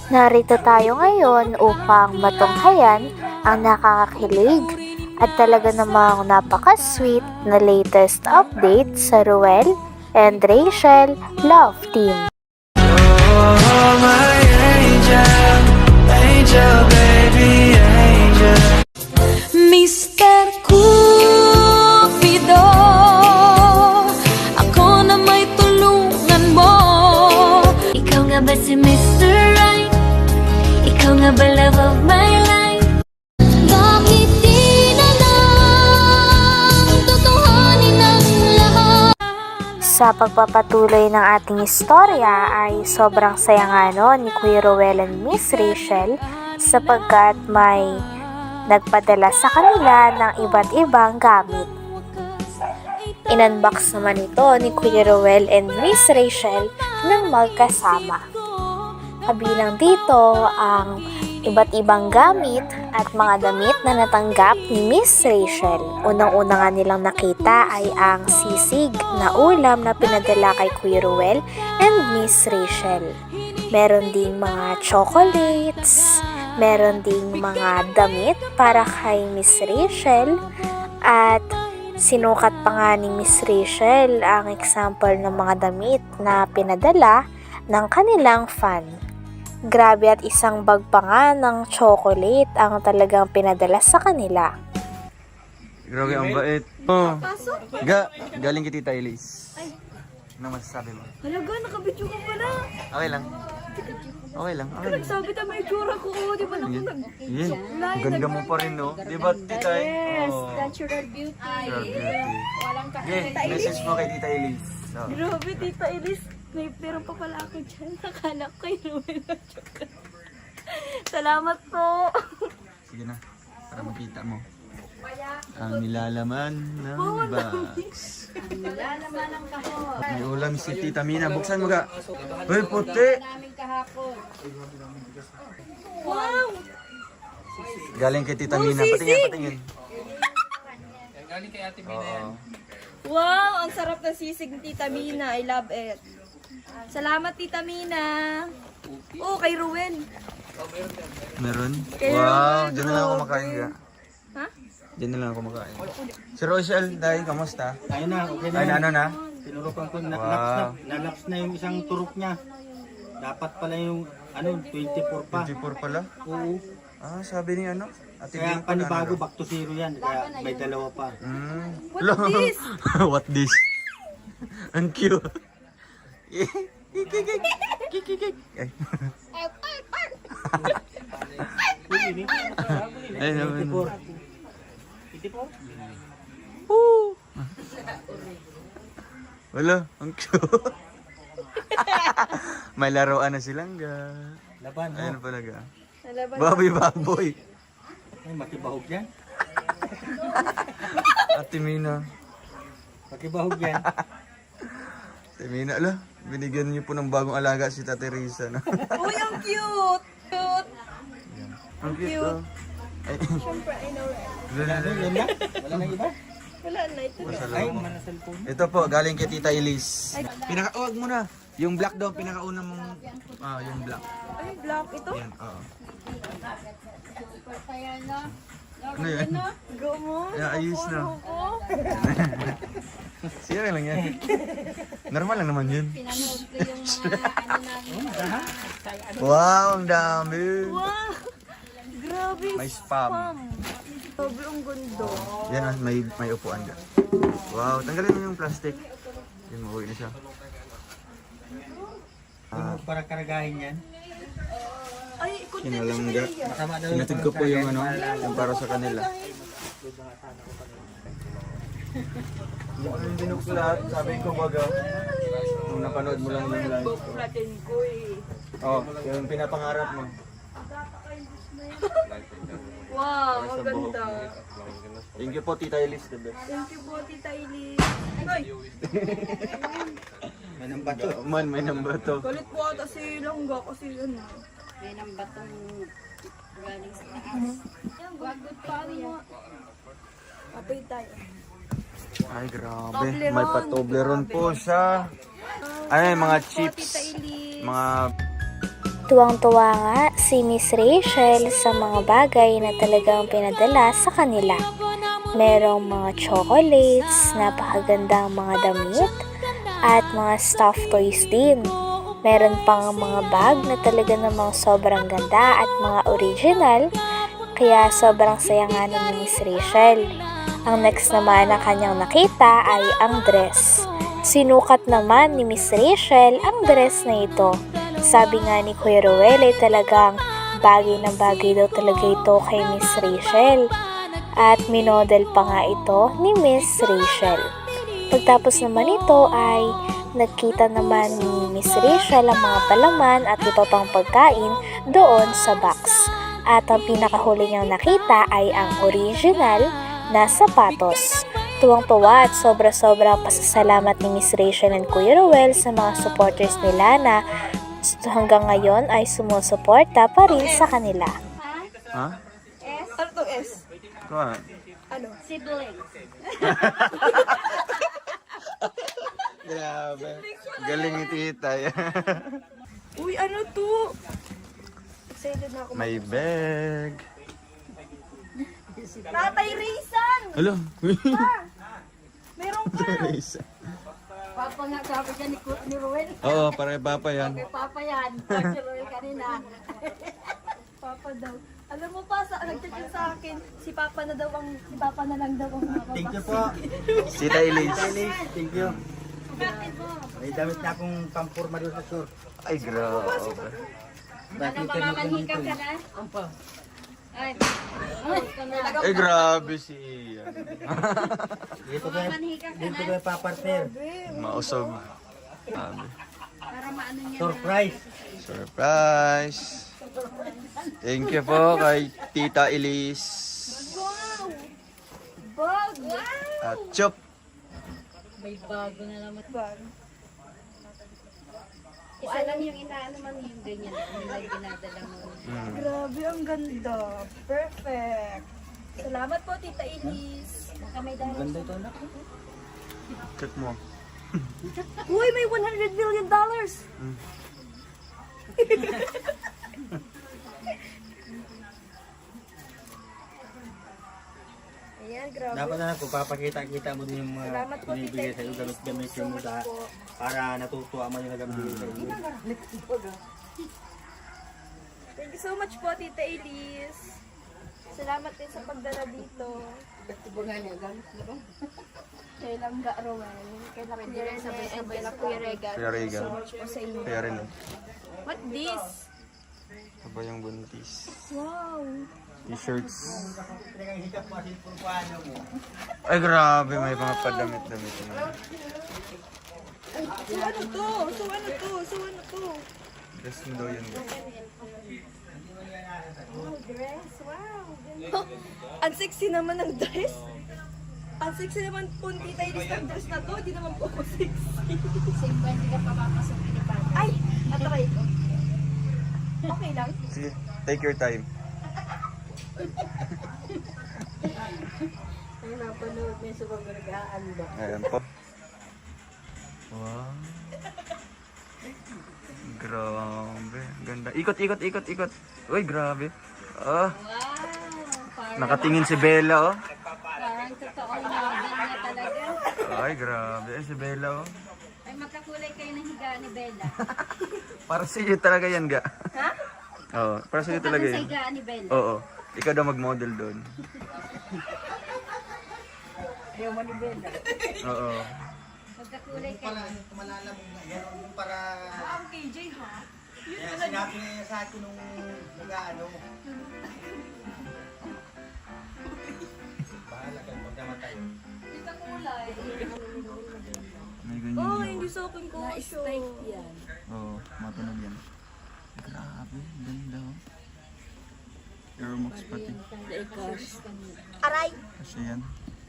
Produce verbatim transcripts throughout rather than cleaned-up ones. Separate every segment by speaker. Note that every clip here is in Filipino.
Speaker 1: Narito tayo ngayon upang matunghayan ang nakakakilig at talaga namang napaka-sweet na latest update sa Ruel and Rachel Love Team.
Speaker 2: Oh, my angel, angel, baby, angel.
Speaker 3: Mister Cupido, ako na may tulungan mo. Ikaw nga ba si Mister Right? Ikaw nga ba love of my life? Bakit di na lang tutuhanin ang lahat?
Speaker 1: Sa pagpapatuloy ng ating istorya ay sobrang saya nga no ni Kuya Ruel and Miss Rachel sapagkat may nagpadala sa kanila ng iba't ibang gamit. Inunbox naman ito ni Kuya Ruel and Miss Rachel ng magkasama. Kabilang dito ang iba't ibang gamit at mga damit na natanggap ni Miss Rachel. Unang-una nga nilang nakita ay ang sisig na ulam na pinadala kay Kuya Ruel and Miss Rachel. Meron ding mga chocolates, meron ding mga damit para kay Miss Rachel at sinukat pa nga ni Miss Rachel ang example ng mga damit na pinadala ng kanilang fan. Grabe at isang bag pa nga ng chocolate ang talagang pinadala sa kanila.
Speaker 4: Grabe ang bait. Oh. Ga, galing kay Tita Elise. Ano masasabi mo?
Speaker 5: Halaga, nakabidyo ka pala.
Speaker 4: Okay lang. Okay lang. Okay lang.
Speaker 5: Nagsabi tayo may itsura ko. Oh, di ba naku nag...
Speaker 4: Yan. Ang ganda mo pa rin, no? Di ba, Tita?
Speaker 5: Yes,
Speaker 4: Oh.
Speaker 5: natural beauty.
Speaker 4: Natural beauty.
Speaker 5: Walang
Speaker 4: Okay, message mo kay Tita Elise. So,
Speaker 5: Grabe, Tita Elise. May pero pa pala ako dyan. Nakala ko kay Ruel na chocolate. Salamat po.
Speaker 4: sige na. Para makita mo. Ang nilalaman ng box.
Speaker 5: Ang nilalaman ng kahon.
Speaker 4: May ulam si Tita Mina. Buksan mo ga. Uy, puti!
Speaker 5: Namin kahapon. Wow!
Speaker 4: Galing kay Tita Mina. Patingin, patingin. Galing kay Ate Mina yan.
Speaker 5: Wow! Ang sarap ng sisig ni Tita Mina. I love it. Salamat, Tita Mina. Oh, kay Ruel.
Speaker 4: Meron?
Speaker 5: Kay
Speaker 4: Wow,
Speaker 5: Ruel,
Speaker 4: dyan na lang ako
Speaker 5: grabe.
Speaker 4: makain ga.
Speaker 5: Ha?
Speaker 4: Diyan na lang ako makain. Si Rochelle, dahil kamusta?
Speaker 6: Ayun na, okay na.
Speaker 4: Ay,
Speaker 6: yan.
Speaker 4: ano na?
Speaker 6: Tinurukan ko, na,
Speaker 4: Wow.
Speaker 6: laps na, nalaps na yung isang turok niya. Dapat pala yung, ano, twenty-four pa.
Speaker 4: twenty-four pala?
Speaker 6: Oo.
Speaker 4: Ah, sabi ni ano? Ate
Speaker 6: Kaya
Speaker 4: Bing pala,
Speaker 6: panibago,
Speaker 4: ano?
Speaker 6: back to zero yan. Kaya may dalawa pa.
Speaker 4: Mm.
Speaker 5: What this?
Speaker 4: What this? Ang cute. Ay. Ay, naman.
Speaker 6: twenty-four. twenty-four?
Speaker 4: Wala, ang cute. May laruan na silang ga.
Speaker 6: Laban, no?
Speaker 4: Ayun pala ga.
Speaker 5: Nalaban.
Speaker 4: Baboy, baboy.
Speaker 6: Ay, makibahog yan.
Speaker 4: Ate Mina.
Speaker 6: Makibahog yan.
Speaker 4: Ate Mina, ala. Binigyan niyo po ng bagong alaga si Tate Risa. No?
Speaker 5: Uy, ang cute! Cute!
Speaker 4: Ang cute. Oh. Ay.
Speaker 5: Siyempre, I know right.
Speaker 6: Ano, yan na? Wala nang iba?
Speaker 5: Wala na ito.
Speaker 6: Ay, mana cellphone.
Speaker 4: Ito po, galing kay Tita Elise. Pinaka, oh, wag mo na. Yung black daw, pinakauna mong, ah, yung black.
Speaker 5: Ay, black ito?
Speaker 4: Yan, oo. Ano yan?
Speaker 5: Go mo.
Speaker 4: Ay, ayos na.
Speaker 5: Ako.
Speaker 4: Siya lang yan. Normal lang naman yun. Wow, ang dami.
Speaker 5: Wow! Grabe.
Speaker 4: May spam.
Speaker 5: Grabe, ang ganda.
Speaker 4: Yan, ah, may, may upuan dyan. Wow, tanggalin mo yung plastic. Yan, mauwi na siya.
Speaker 6: Ano, para karagahin yan.
Speaker 5: Ay, content
Speaker 4: Kinalangga.
Speaker 6: Masama daw
Speaker 4: Sinatid ko po yung ano, yung para sa kanila. Hindi ko rin binukso lahat. Sabi ko baga, nung napanood mo lang yung live.
Speaker 5: natin ko eh.
Speaker 4: Oo, oh, yung pinapangarap mo.
Speaker 5: Wow, ang ganda.
Speaker 4: Thank you po, Tita Elise, the best.
Speaker 5: Thank you po, Tita Elise. Ay,
Speaker 6: May nang bato.
Speaker 4: Man, may number to.
Speaker 5: galit po ata si Langga kasi ano.
Speaker 7: May nang batong galing sa taas.
Speaker 5: Yan, good pa mo. Apay tayo.
Speaker 4: Ay, grabe.
Speaker 5: Toblerone.
Speaker 4: May pa-Toblerone po siya. Ano yung mga
Speaker 5: Salamat po,
Speaker 4: chips?
Speaker 5: Tita Elise.
Speaker 4: Mga
Speaker 1: Tuwang-tuwa nga si Miss Rachel sa mga bagay na talagang pinadala sa kanila. Merong mga chocolates, napakagandang mga damit, at mga stuffed toys din. Meron pang mga bag na talaga namang sobrang ganda at mga original, kaya sobrang saya nga ng Miss Rachel. Ang next naman na kanyang nakita ay ang dress. Sinukat naman ni Miss Rachel ang dress na ito. Sabi nga ni Kuya Ruel ay talagang bagay na bagay daw talaga ito kay Miss Rachel. At minodel pa nga ito ni Miss Rachel. Pagtapos naman ito ay nagkita naman ni Miss Rachel ang mga palaman at iba pang pagkain doon sa box. At ang pinakahuli niyang nakita ay ang original na sapatos. Tuwang-tuwa at sobra-sobra pasasalamat ni Miss Rachel and Kuya Ruel sa mga supporters nila na hanggang ngayon ay sumusuporta pa rin sa kanila.
Speaker 4: Ha?
Speaker 5: Ano to S?
Speaker 4: Kuha.
Speaker 5: Ano?
Speaker 3: Siblings.
Speaker 4: Grabe. Galing ni tita.
Speaker 5: Uy, ano to? Excited na ako.
Speaker 4: May bag.
Speaker 5: Tatay Rizan!
Speaker 4: Hello.
Speaker 5: Meron ka!
Speaker 7: Papa nga sabi niya ni, Ku- ni Ruel.
Speaker 4: Oo, para papa yan.
Speaker 7: Kay Papa yan. Si Ruel kanina.
Speaker 5: Papa daw. Alam mo pa, sa, nag-chat sa akin, si Papa na daw ang, si Papa na lang daw ang mapapasok.
Speaker 6: Thank you po.
Speaker 4: Tita Elise.
Speaker 6: Elise, thank you. May damit na akong pampurma doon sa short.
Speaker 4: Ay, grabe.
Speaker 6: Nakita niyo po nito.
Speaker 7: Ka na? Ampa. Ay,
Speaker 4: Ay, grabe si Ian.
Speaker 6: Dito ba, dito ba papartner?
Speaker 4: Mausog. Grabe.
Speaker 7: para maano niya.
Speaker 6: Surprise!
Speaker 4: Surprise! Thank you po kay Tita Elise.
Speaker 5: Wow! Bag!
Speaker 4: At Chop.
Speaker 7: May bago na naman.
Speaker 5: Bag.
Speaker 7: Isa lang yung inaano man yung ganyan. Nila ginadala mo.
Speaker 4: Mm.
Speaker 5: Grabe, ang ganda. Perfect. Salamat po, Tita Elise.
Speaker 7: Baka may dahil.
Speaker 6: Ganda ito anak.
Speaker 4: Check mo.
Speaker 5: Uy, may one hundred million dollars! Ayan, grabe.
Speaker 6: Dapat na kung papakita-kita mo din yung mga
Speaker 5: Salamat po,
Speaker 6: binibigay
Speaker 5: Tita
Speaker 6: sa iyo,
Speaker 5: Elise.
Speaker 6: gamit-gamit
Speaker 5: Thank you so
Speaker 6: mo
Speaker 5: much
Speaker 6: sa
Speaker 5: po.
Speaker 6: para natutuwa mo yung nagamit sa iyo.
Speaker 5: Thank you so much po, Tita Elise. Salamat din sa pagdala dito. Kay Langga Roel, kay Langga Rene, and kay Kuya Regan.
Speaker 4: Kuya Regan.
Speaker 5: Thank you so much po sa inyo.
Speaker 4: Kaya rin eh.
Speaker 5: What this?
Speaker 4: Aba yung buntis.
Speaker 5: Wow!
Speaker 4: T-shirts. Ay grabe, may mga padamit-damit na.
Speaker 5: So ano to? So ano to? So ano to?
Speaker 4: Dress mo daw yun.
Speaker 5: Oh, dress. Wow! Ganda. Ang sexy naman ng dress. Ang sexy naman po ni Tita Elise ng dress na to. Hindi naman po ako sexy.
Speaker 7: Simple, hindi ka papapasok ni Papa.
Speaker 5: Ay! Natry ko. Okay lang.
Speaker 4: Sige, take your time.
Speaker 7: Ay, napanood niya sa mga nag-aanda.
Speaker 4: Ayan po. Wow. Grabe. Ganda. Ikot, ikot, ikot, ikot. Uy, grabe. Ah,
Speaker 7: Wow! Parang,
Speaker 4: nakatingin si Bella, oh.
Speaker 7: parang totoong novel niya talaga.
Speaker 4: Ay, grabe. Ay, si Bella, oh.
Speaker 7: Ay, magkakulay kayo ng higa ni Bella.
Speaker 4: Para sa iyo talaga yan, ga.
Speaker 5: Ha?
Speaker 4: Oo, para sa iyo talaga
Speaker 7: Parang sa
Speaker 4: yan.
Speaker 7: higa ni Bella.
Speaker 4: Oo. Ikaw daw mag-model doon.
Speaker 7: Ayaw mo ni Bella.
Speaker 4: Oo.
Speaker 7: Magkakulay kayo.
Speaker 6: Malala mo nga yan yung para
Speaker 5: Ang K J ha?
Speaker 6: kaya sinabi niya sa akin nung nag-ano. Bahala ka pagkamatay.
Speaker 4: May ganyan
Speaker 5: Oh,
Speaker 4: yun.
Speaker 5: hindi sa akin ko.
Speaker 7: Na-spike yan.
Speaker 4: Oo, matunog yan. Grabe, ganda, oh. Air Max pati.
Speaker 5: Aray!
Speaker 4: Kasi yan.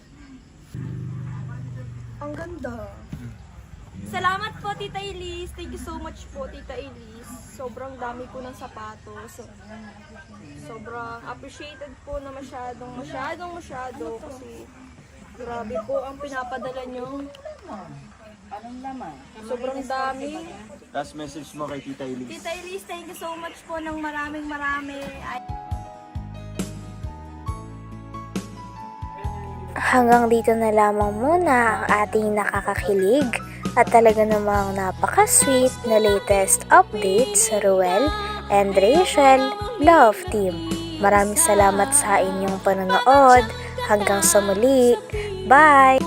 Speaker 5: Ang ganda. Salamat po, Tita Elise. Thank you so much po, Tita Elise. Sobrang dami ko ng sapatos. Sobrang appreciated po na masyadong, masyadong, masyado. Kasi grabe po ang pinapadala nyo. Sobrang dami.
Speaker 4: Last message mo kay Tita Elise.
Speaker 5: Tita Elise, thank you so much po ng maraming marami. Ay,
Speaker 1: Hanggang dito na lamang muna ang ating nakakakilig at talaga namang napaka-sweet na latest update sa Ruel and Rachel Love Team. Maraming salamat sa inyong panonood. Hanggang sa muli. Bye!